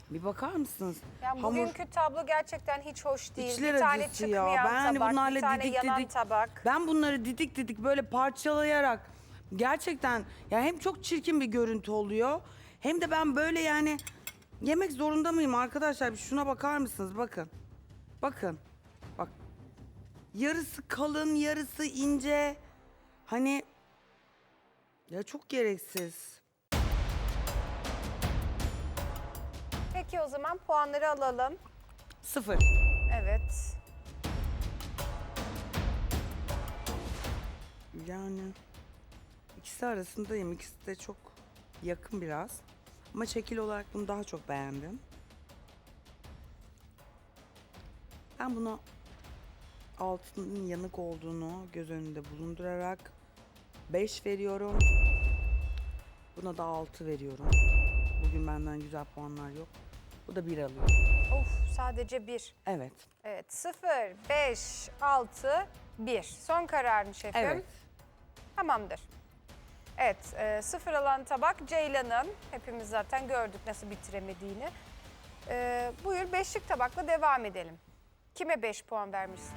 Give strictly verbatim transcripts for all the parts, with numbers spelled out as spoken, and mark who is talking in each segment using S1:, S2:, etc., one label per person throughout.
S1: Bir bakar mısınız?
S2: Yani
S1: Hamur
S2: bugünkü tablo gerçekten hiç hoş değil.
S1: içler
S2: bir tane
S1: acısı ya.
S2: çıkmayan
S1: Ben hani
S2: tabak,
S1: bunlarla
S2: bir tane
S1: didik
S2: yanan
S1: didik.
S2: tabak.
S1: Ben bunları didik didik böyle parçalayarak gerçekten ya hem çok çirkin bir görüntü oluyor hem de ben böyle yani yemek zorunda mıyım arkadaşlar? Bir şuna bakar mısınız? Bakın. Bakın. Bak. Yarısı kalın, yarısı ince. Hani ya çok gereksiz.
S2: Peki o zaman puanları alalım.
S1: Sıfır.
S2: Evet.
S1: Yani ikisi arasındayım. İkisi de çok yakın biraz. Ama şekil olarak bunu daha çok beğendim. Ben buna altının yanık olduğunu göz önünde bulundurarak beş veriyorum. Buna da altı veriyorum. Bugün benden güzel puanlar yok. Bu da bir alıyor.
S2: Of, sadece bir.
S1: Evet.
S2: Evet, sıfır, beş, altı, bir. Son karar mı şefim?
S1: Evet.
S2: Tamamdır. Evet, e, sıfır alan tabak Ceylan'ın. Hepimiz zaten gördük nasıl bitiremediğini. E, buyur beşlik tabakla devam edelim. Kime beş puan vermişsin?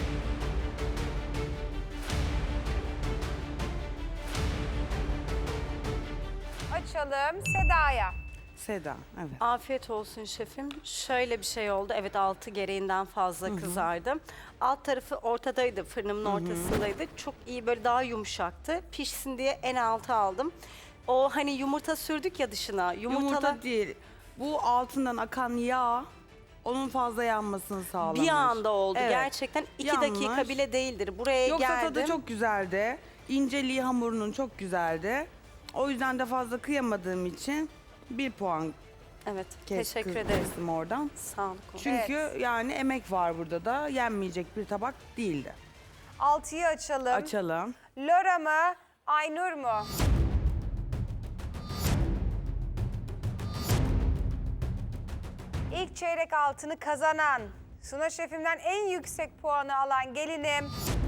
S2: Açalım Seda'ya.
S1: Seda. Evet.
S3: Afiyet olsun şefim. Şöyle bir şey oldu. Evet altı gereğinden fazla kızardı. Alt tarafı ortadaydı. Fırınımın ortasındaydı. Çok iyi böyle daha yumuşaktı. Pişsin diye en altı aldım. O hani yumurta sürdük ya dışına. Yumurtalar
S1: Yumurta değil. Bu altından akan yağ onun fazla yanmasını sağlamış.
S3: bir anda oldu.
S1: Evet.
S3: Gerçekten iki
S1: Yanmış.
S3: dakika bile değildir. Buraya
S1: Yoksa
S3: geldim.
S1: tadı çok güzeldi. İnceliği hamurunun çok güzeldi. O yüzden de fazla kıyamadığım için bir puan
S3: Evet
S1: kes,
S3: teşekkür
S1: kız-
S3: ederim.
S1: kestim oradan.
S3: Sağ olun.
S1: Çünkü
S2: Evet.
S1: yani emek var burada da yenmeyecek bir tabak değildi.
S2: Altıyı açalım.
S1: Açalım.
S2: Lora mı, Aynur mu? İlk çeyrek altını kazanan, Suna Şefim'den en yüksek puanı alan gelinim.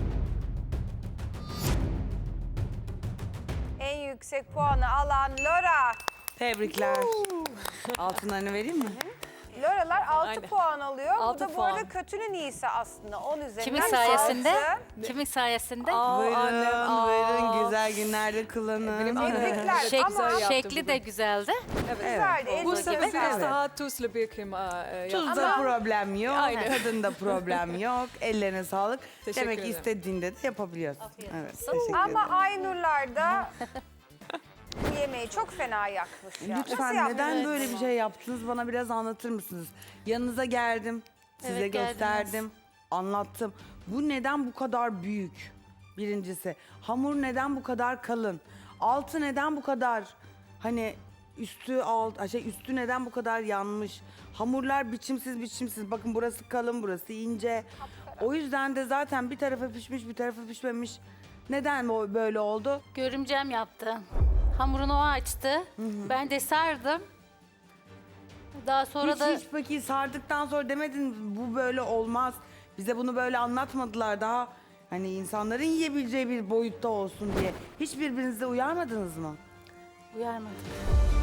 S2: En yüksek puanı alan Lora.
S1: Tebrikler. Altınlarını vereyim mi?
S2: Loralar altı
S4: Aynen.
S2: puan alıyor.
S4: Altı
S2: bu da bu arada
S4: puan.
S2: kötünün iyisi aslında. on üzerinden
S5: Kimin sayesinde?
S2: altı.
S5: Kimin sayesinde?
S1: Buyurun, buyurun. Güzel günlerde kullanın.
S2: Tebrikler
S5: Şek-
S2: ama
S5: şekli de güzeldi.
S2: güzeldi.
S4: Bu
S2: elli
S4: sefer
S2: gibi.
S4: biraz
S1: Evet.
S4: daha tuzlu bir kıyma e, yaptım.
S1: Tuzda problem yok,
S4: Aynen.
S1: tadında problem yok. Ellerine sağlık.
S4: Teşekkür
S1: Demek
S4: ederim.
S1: istediğinde de yapabiliyorsun. Evet,
S5: olsun.
S1: teşekkür
S2: Ama
S1: ederim.
S2: Aynurlar da bu yemeği çok fena yakmış ya. Nasıl
S1: Lütfen
S2: yapmış?
S1: neden böyle bir şey yaptınız bana biraz anlatır mısınız? Yanınıza geldim, size
S5: Evet, geldiniz.
S1: gösterdim, anlattım. Bu neden bu kadar büyük? Birincisi, hamur neden bu kadar kalın? Altı neden bu kadar hani üstü alt şey üstü neden bu kadar yanmış? Hamurlar biçimsiz biçimsiz. Bakın burası kalın, burası ince. O yüzden de zaten bir tarafı pişmiş, bir tarafı pişmemiş. Neden bu böyle oldu?
S5: Görümcem yaptı. Hamurunu o açtı. Ben de sardım. Daha sonra
S1: Hiç
S5: da
S1: hiç peki sardıktan sonra demedin bu böyle olmaz. Bize bunu böyle anlatmadılar daha. Hani insanların yiyebileceği bir boyutta olsun diye. Hiç birbirinize uyarmadınız mı?
S5: uyarmadım.